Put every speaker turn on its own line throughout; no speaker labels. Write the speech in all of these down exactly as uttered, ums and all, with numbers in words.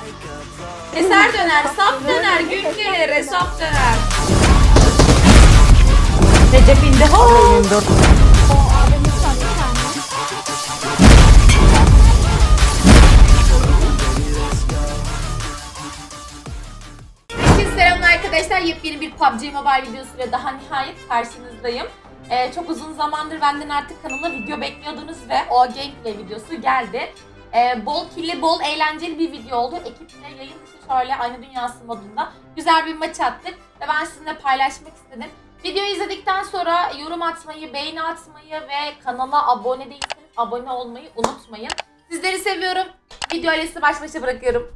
Eser döner, sap döner, gün gelir, hesap döner. Recep indi. Ho!
yirmi dört.
Herkese selamlar arkadaşlar. Yepyeni bir P U B G Mobile videosuyla daha nihayet karşınızdayım. Ee, çok uzun zamandır benden artık kanalına video bekliyordunuz ve o gameplay videosu geldi. Ee, bol killi, bol eğlenceli bir video oldu. Ekiple yayın dışı şöyle aynı dünyası modunda güzel bir maç attık ve ben sizinle paylaşmak istedim. Videoyu izledikten sonra yorum atmayı, beğeni atmayı ve kanala abone değilseniz abone olmayı unutmayın. Sizleri seviyorum. Video ile sizi baş başa bırakıyorum.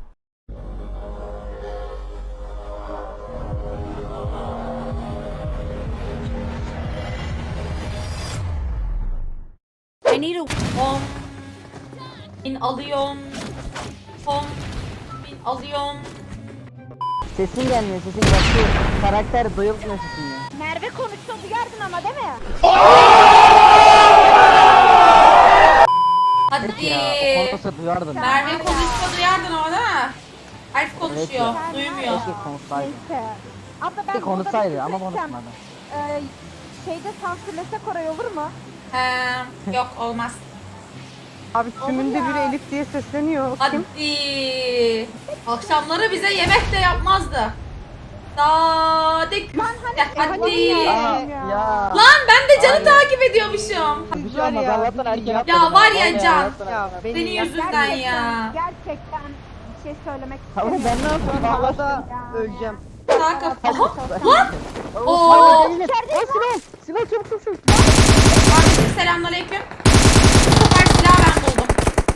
I need a
on bin alıyorum. on bin alıyorum.
Sesin gelmiyor, sesin bak şu karakter duyulmuyor sesin ya.
Merve konuşsa duyardın ama değil mi?
Hadi.
Ya o konuşsa duyardın.
Merve konuşsa duyardın ama değil mi? Elf konuşuyor,
Evet
duymuyor.
Keşke konuşsaydı.
Neyse. Abla ben
Keşke konuşsaydı
burada
ama
konuşursam,
konuşmadı.
E, şeyde sansürlesek orayı olur mu?
He, yok olmaz.
Abi tümünde biri Elif diye sesleniyor.
Hadi. Akşamları bize yemek de yapmazdı. Sadık. Ya, hadi.
Aa, ya.
Lan ben de Can'ı
Hayır.
takip ediyormuşum.
Bir şey olmaz Allah'tan erken
Ya
atmadım.
var ya
Vallahi
Can.
Allah'tan
Ya
erken.
beni
Senin
ya-
yüzünden ya.
Gerçekten bir şey söylemek
Tamam
istemiyorum.
ben ne yapayım?
Havada
Ya.
öleceğim.
Sağ kap. Aha.
Lan!
Oo.
Silah! Silah çabuk çabuk çabuk!
Kardeşim selamünaleyküm. Bu sefer silahı ben buldum.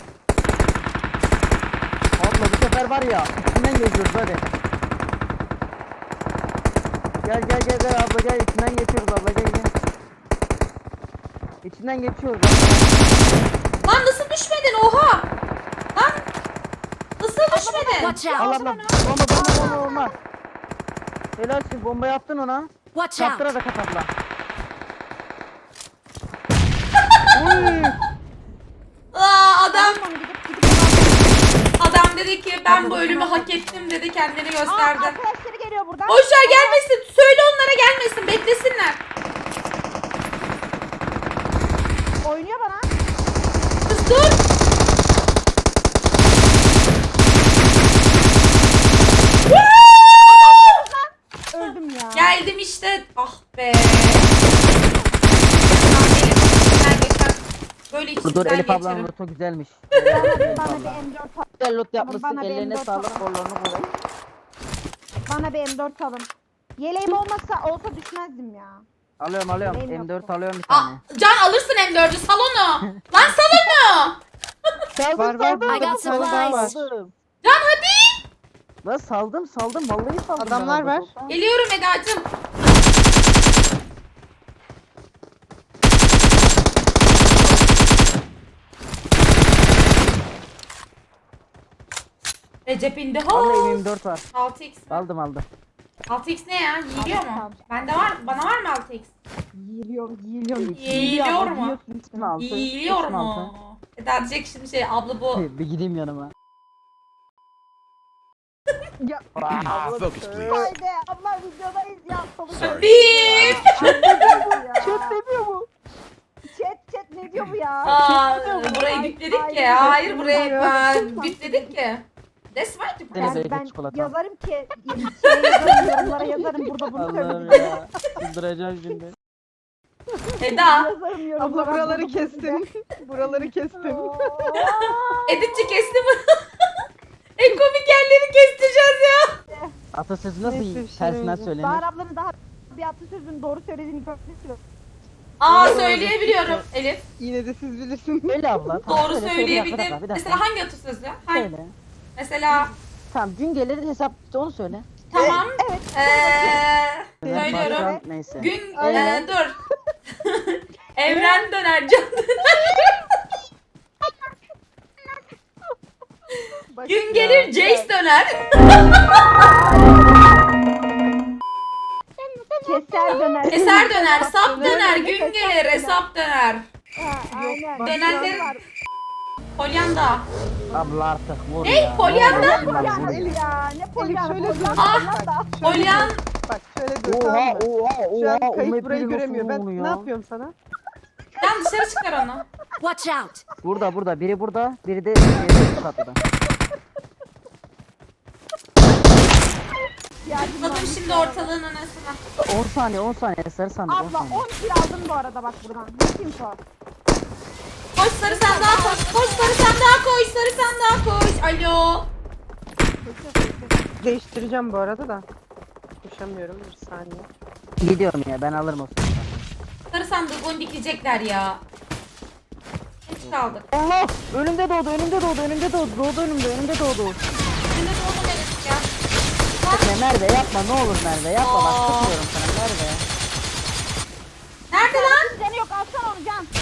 Abla bu sefer var ya içinden geçiyoruz hadi. Gel gel gel gel abla gel içinden geçiyoruz abla gel gel. İçinden geçiyoruz abla.
Lan nasıl düşmedin oha? Lan nasıl düşmedin?
Watch out.
Allah Allah bomba bomba bomba bomba. Helalsin bombayı attın ona.
Watch out.
Kaptıra da kapatla. Uy.
Aa, adam
Tamam, gidip gidip
adam dedi ki ben bu ölümü hak ettim dedi, kendini
Aa,
gösterdi.
arkadaşları geliyor buradan.
Boşver gelmesin. Söyle onlara gelmesin. Beklesinler.
Oynuyor bana.
Kız dur.
Öldüm ya.
Geldim işte. Ah be. Lan Elif, içinden geçen- Böyle
Dur dur
içinden
Elif ablanın
geçerim.
lotu güzelmiş.
Bana bir M dört al.
Güzel lot yapmışsın
Bana bir
ellerine
M dört
sağlık
al.
kollarını kuvvet.
Bana bir M dört alın. Yeleğim olmasa olsa düşmezdim ya.
Alıyorum alıyorum
Neyim
M dört
yoksa?
alıyorum bir
Aa,
tane.
Can alırsın M dördü. Sal onu. Lan sal onu.
Saldım
Var var
saldım.
burada
I got
bir tane daha var.
Saldım.
Can hadi.
Lan saldım saldım vallahi saldım.
Adamlar
ben
var.
orada.
Geliyorum Eda'cığım. Recep indi.
Vallahi
Ho.
yirmi dört var.
altı x mi?
Aldım aldım.
altı x ne ya? Yiyiliyor
Aldım,
mu?
aldım.
Bende var. Bana var mı altı x?
Yiyiliyorum, yiyiliyorum.
Yiyiliyor mu?
Yiyorsun.
Üstüne altı.
Yiyiliyor
üstüne altı.
mu? Eda diyecek şimdi şey abla bu.
Bir gideyim yanıma.
Ya
Focus please.
Haydi abla videodayız ya. Salı
Sorry.
Bip.
Chat
demiyor mu?
Chat chat ne diyor bu ya?
Aa, burayı
Ay,
bipledik
ay,
ki. Hayır
ay,
burayı
ay.
ben bipledik ki. That's right.
Seni
Ben,
zeytin
ben
çikolata.
yazarım ki şey yazarım, yorumlara yazarım burada bunu
Allah'ım
söyledim.
ya. Çıldıracağım şimdi.
Eda.
Yazarım yorumlara.
abla buraları
bunu
kestim. Buraları kestim.
Editçi kesti mi? En komik yerleri kestireceğiz ya.
Atasözü nasıl
Neyse, bir şey
tersinden
demeyeceğim.
söylenir?
Bahar ablanın daha bir atasözünün doğru söylediğini görmüşsün.
Aa söyleyebiliyorum Elif.
Yine de siz bilirsiniz.
Söyle abla. tamam,
Doğru
söyle, söyle, bir dakika, bir
söyleyebildim.
dakika, bir dakika.
Mesela hangi atasözü? Hangi?
Söyle.
Mesela
Tamam gün gelir hesap işte onu söyle.
tamam.
Evet.
Eee
Evet,
söylüyorum.
baştan Neyse.
Gün
Evet.
eee, dur. Evren döner, can döner. Gün gelir Jace döner.
Keser döner.
Eser döner, sap döner, gün gelir, hesap döner.
Ha, aynen.
Dönenlerin-
Var.
Polyanda.
Abla artık vur
Ne?
ya.
Polyanda?
Ne olur ya, vur
Elif
ya.
ya ne
Elif
polyan
şöyle dur.
polyan
Ah!
polyan da.
Şöyle
Polyan.
dur. Bak şöyle dur,
Oha
tamam mı?
oha
Şu
oha.
an
O
kayıt
map
burayı
biri nasıl
göremiyor. Ben
oluyor?
ne yapıyorum sana?
Sen dışarı çıkar onu.
Watch out!
Burada burada. Biri burada. Biri de şeyde üst katta.
Zıpladım şimdi ortalığın anasına.
on saniye on saniye. Sarı sandık on
Abla
saniye.
on kill aldım bu arada bak buradan. Ne kim o?
Koş sarı sandığa koş. Koş sarı sandığa koş. Sarı sandığa koş. Alo.
Değiştireceğim bu arada da. Koşamıyorum bir saniye.
Gidiyorum ya ben alırım o sırada.
Sarı sandığı onu dikecekler ya. Geç kaldık.
Allah! Önümde doğdu, önümde doğdu, önümde doğdu, doğdu önümde, önümde doğdu.
Şimdi de onu verirdik ya.
Ya Merve yapma ne olur Merve yapma bak
Aa.
tutmuyorum sana Merve.
Nerede lan?
Canı yok alsana onu can.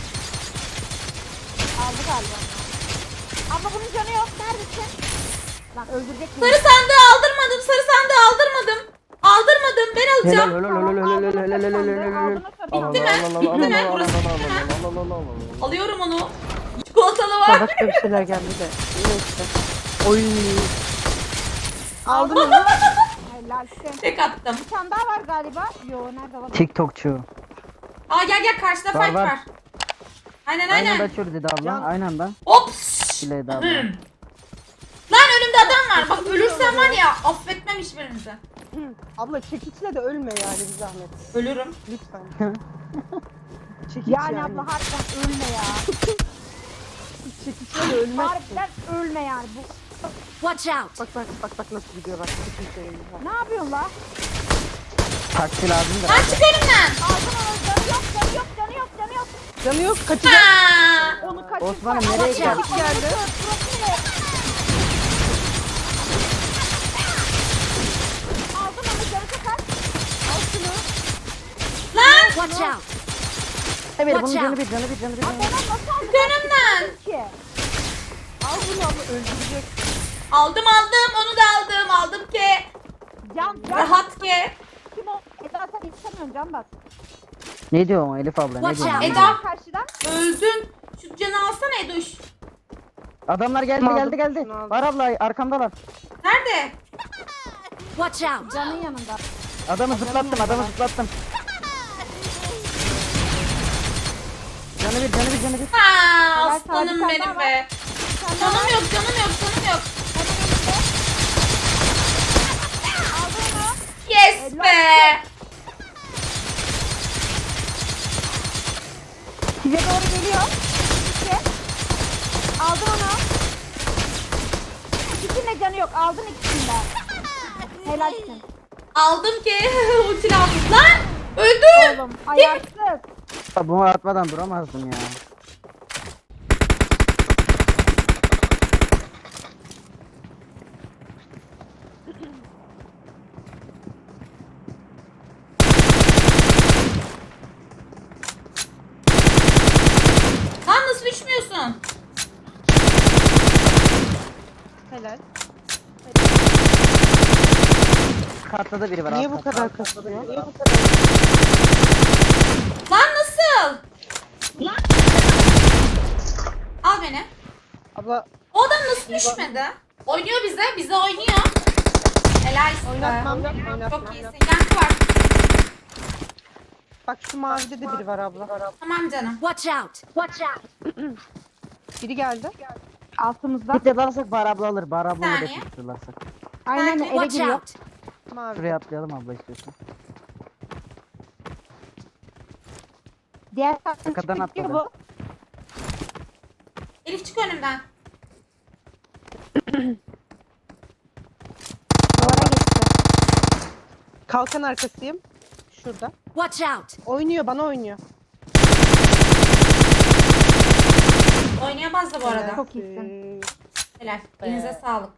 Aldı galiba. Abla bunun canı yok. Neredesin? Lan öldürecek mi?
Sarı sandığı aldırmadım. Sarı sandığı aldırmadım. Aldırmadım. Ben
Helal
alacağım.
helal helal helal helal helal helal helal.
Bitti mi? Bitti mi? Burası bitti mi? Alıyorum onu. Çikolatalı
Daha
var.
başka bir şeyler geldi de. Neyse. Oy. Aldın mı?
Helal işte.
Tek attım.
Bir tane daha var galiba. Yo nerede var?
TikTokçu.
Aa gel gel karşıda
Var,
fight
var.
var. Aynen
Aynı anda
aynen.
açıyoruz dedi abla.
Can.
Aynı anda.
Ops.
Bileydi abla.
Hmm. Lan önümde adam var. Bak ölürsem var ya affetmem hiçbirinizi.
Abla çekiçle de ölme yani bir zahmet.
Ölürüm.
Lütfen. Çekiç
Yani,
yani.
abla harbiden ölme ya.
Çekiçle de ölmezsin.
Harbiden ölme yani. Bu...
Watch out!
Bak bak bak bak nasıl gidiyor bak. Çekiçle ölüyor.
Ne yapıyorsun la?
Taksi lazım da.
Lan çık önümden.
Aldın onu. Canı yok canı yok canı yok canı yok.
Canı yok kaçacak.
Ha.
Onu kaçır.
Osman'ım nereye
Watch out.
gidiyorsun?
Geldi.
Aldın onu canı çok az. Al şunu.
Lan
Watch out!
Evet bunun
Watch
canı
out.
bir canı bir canı bir.
Ona nasıl aldın
çık önümden.
ki?
Al bunu abla öldürecek.
Aldım aldım onu da aldım. Aldım ki.
Can can.
Rahat ki.
Kim o? Eda sen istemiyorsun can bas.
Ne diyor o Elif abla ne
Watch
diyor?
out.
Eda.
Karşıdan.
Öldün. Şu canı alsana Edoş.
Adamlar geldi
Aldım,
geldi geldi.
şunu aldım.
Var abla arkamdalar.
Nerede?
Watch out!
Canın yanında.
Adamı zıplattım adamı zıplattım. Canı bir canı bir canı bir.
Ha
Helal,
aslanım
tabii,
benim
sen
be.
Sen
Canım yok canım yok canım yok.
aldın onu.
Yes be.
Size doğru geliyor. İki. Aldın onu. İkisinin de canı yok. Aldın ikisinde. Helalsin.
Aldım ki. Ulti aldım. Lan öldüm.
Oğlum ayarsız.
Ya bunu atmadan duramazdım ya.
Lan nasıl düşmüyorsun?
Helal.
Katta da biri var.
Niye
alt
bu
katta.
kadar kasıyor?
Lan nasıl? Al beni.
Abla
O adam nasıl düşmedi? Oynuyor bize. Bize oynuyor. Helal size.
oynatmam.
Çok
Oynatmam.
iyisin. Yankı var.
Bak şu mavide de biri var abla.
Tamam canım.
Watch out! Watch out!
Biri geldi.
Altımızda.
Bir de alırsak Bahar abla alır. Bahar abla
Saniye.
da tuturlarsak.
Aynen eve
Watch
giriyor.
out!
Mavi.
Şuraya atlayalım abla istiyorsan.
Diğer taraftan
Arkadan
çıkıp gidiyor
atladı.
bu.
Elif çık önümden.
Duvara geçti.
Kalkan arkasıyım. Şurada.
Watch out!
Oynuyor bana oynuyor.
Oynayamaz da bu arada.
Çok iyisin.
Helal. Elinize sağlık.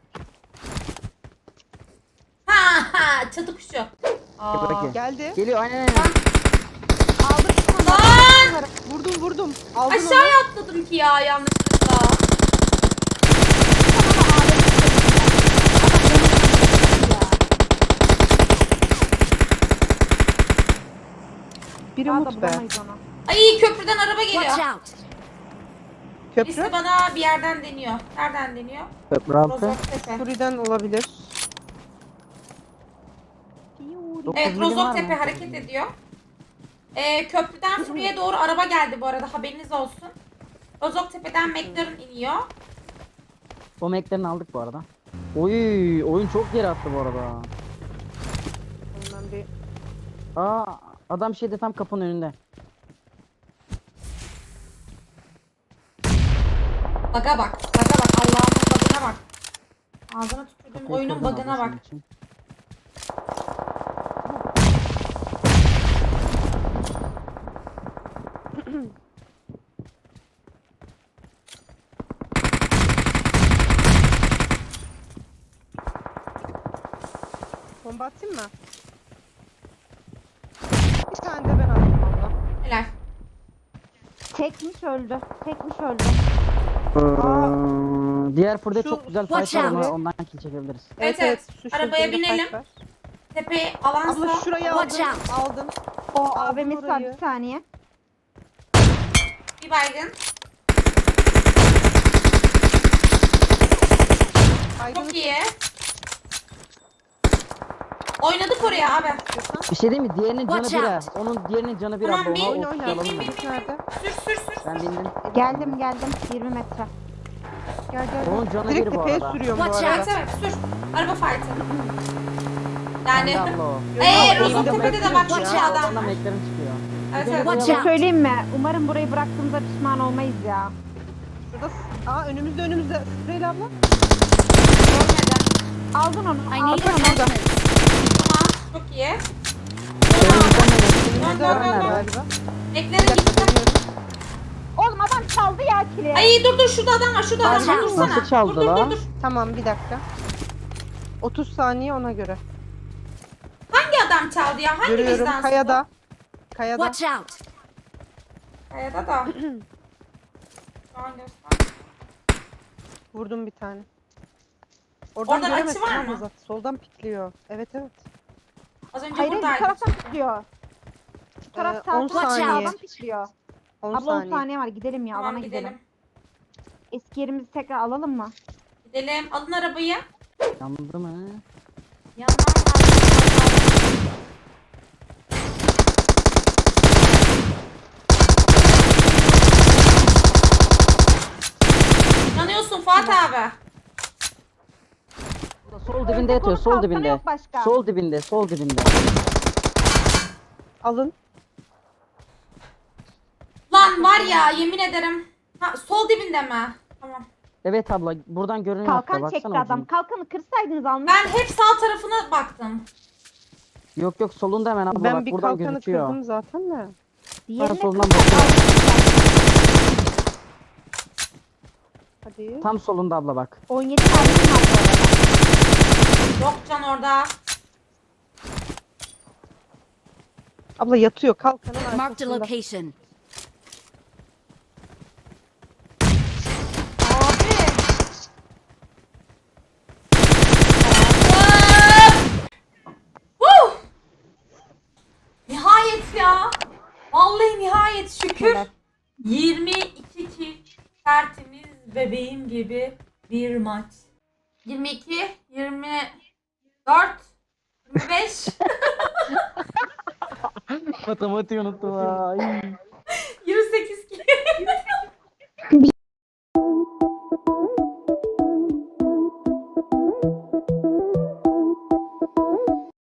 Ha ha çatı kuşu. Aa.
Peki.
Geldi.
Geliyor aynen aynen.
Aldık bir tane.
Lan!
Vurdum vurdum. Aldın onu.
Aşağıya atladım ki ya yanlışlıkla.
Bir
Daha da
umut be.
bulamayız onu.
Ay köprüden araba
Watch
geliyor.
out!
Birisi
Köprü.
bana bir yerden deniyor. Nereden deniyor?
Köprü altı.
Rozoktepe.
Suri'den olabilir.
Dokuz
Evet,
milim var
Rozoktepe
mı?
hareket ediyor. Ee, köprüden Suriye doğru araba geldi bu arada, haberiniz olsun. Rozoktepe'den McLaren iniyor.
O meklerini aldık bu arada. Oy, oyun çok geri attı bu arada.
Ondan bir
Aa, adam şeyde tam kapının önünde.
Baga bak, baga bak, Allah'ın bagına bak. Ağzına tükürdüm,
Kapıyı
oyunun
kırdım
bagına
ablasının
bak.
için.
bomba atayım mı? Bir tane de ben attım valla.
Helal.
Tekmiş öldü. Tekmiş öldü.
Ee, Diğer fırda
Şu-
çok güzel
Watch
fight var
out.
ama ondan kill çekebiliriz.
Evet, evet.
şu
Arabaya
şekilde
binelim.
fight var.
Tepe alansa.
Abla şurayı
Watch
aldım.
out.
Aldım.
O
Aldım
A V M'si var
orayı.
bir saniye.
Bir baygın.
Aydın'ı
Çok iyi. Oynadık oraya abi.
tutuyorsan.
Bir şey değil mi? Diğerinin canı
Watch
bir.
out.
ha. Onun diğerinin canı bir
Tamam,
abla.
bin,
Ona
Oyna
o
oyna.
kill alalım
bin,
mı?
bin, bin.
Nerede?
Sür sür sür.
Ben bindim.
Geldim geldim. yirmi metre.
Gel gel.
Onun
gel.
canı
Direkt
bir bu
tepeye
arada.
sürüyorum bu
Watch
arada.
Evet evet, sür. Araba fight'ı.
Ben de
Yani.
abla o.
Eee
Yok,
Rozoktepe'de de bak
Watch
şu
out.
adam
Ondan
var.
meklerin çıkıyor.
Evet
Bir de
evet.
Watch
Bir şey
out.
söyleyeyim mi? Umarım burayı bıraktığımızda pişman olmayız ya.
Şurada. Aa önümüzde önümüzde. Süheyl abla.
Görmedi.
Aldın onu.
I need
Aldın onu.
attachments.
Tamam. Çok iyi.
Önümüzden
Dön, dön, dön, dön.
Galiba.
Beklerin gitti.
Oğlum adam çaldı ya kili.
Ay dur dur, şurada adam var, şurada adam var,
Nasıl
dursana.
çaldı
dur dur
la?
dur dur.
Tamam bir dakika. otuz saniye ona göre.
Hangi adam çaldı ya? Hangi
Görüyorum.
bizden?
Kayada. Kayada.
Watch out.
Kayada da. Şu an göster.
Vurdum bir tane. Oradan
Oradan
göremezsin
açı var
abla
mı?
zaten. Soldan pikliyor. Evet evet.
Az önce
Hayır hayır bu
buradaydı.
taraftan pikliyor. Bu taraf
Ee,
sağ
on
taraf
saniye.
sağdan pikliyor.
on
Abla on
saniye.
saniye var gidelim ya alana
Tamam
gidelim.
gidelim.
Eski yerimizi tekrar alalım mı?
Gidelim. Alın arabayı.
Yandı mı?
Yandan Yanıyorsun Fatih abi.
Sol dibinde yatıyor. Sol
Kalkanı
dibinde.
yok başka.
Sol dibinde. Sol dibinde.
Alın.
Lan var ya, yemin ederim. Ha, sol dibinde mi? Tamam.
Evet abla buradan görünüyor hatta
Kalkan
baksana.
çekti adam.
ucunu.
Kalkanı kırsaydınız almış.
Ben hep sağ tarafına baktım.
Yok yok solunda hemen abla
Ben
bak
bir
buradan
kalkanı
gözüküyor.
kırdım zaten de.
Diğerine
soldan
kırsak
bakıyor.
almışlar.
Hadi.
Tam solunda abla bak.
on yedi mermim var bu arada.
Yok can orada.
Abla yatıyor kalkanın
Marked a
arkasında.
location.
Abi. Woo! Nihayet ya. Vallahi nihayet şükür.
Helal.
yirmi iki kill, tertemiz bebeğim gibi bir maç. yirmi iki, yirmi dört, yirmi beş.
Matematiği unuttum ha. Ay.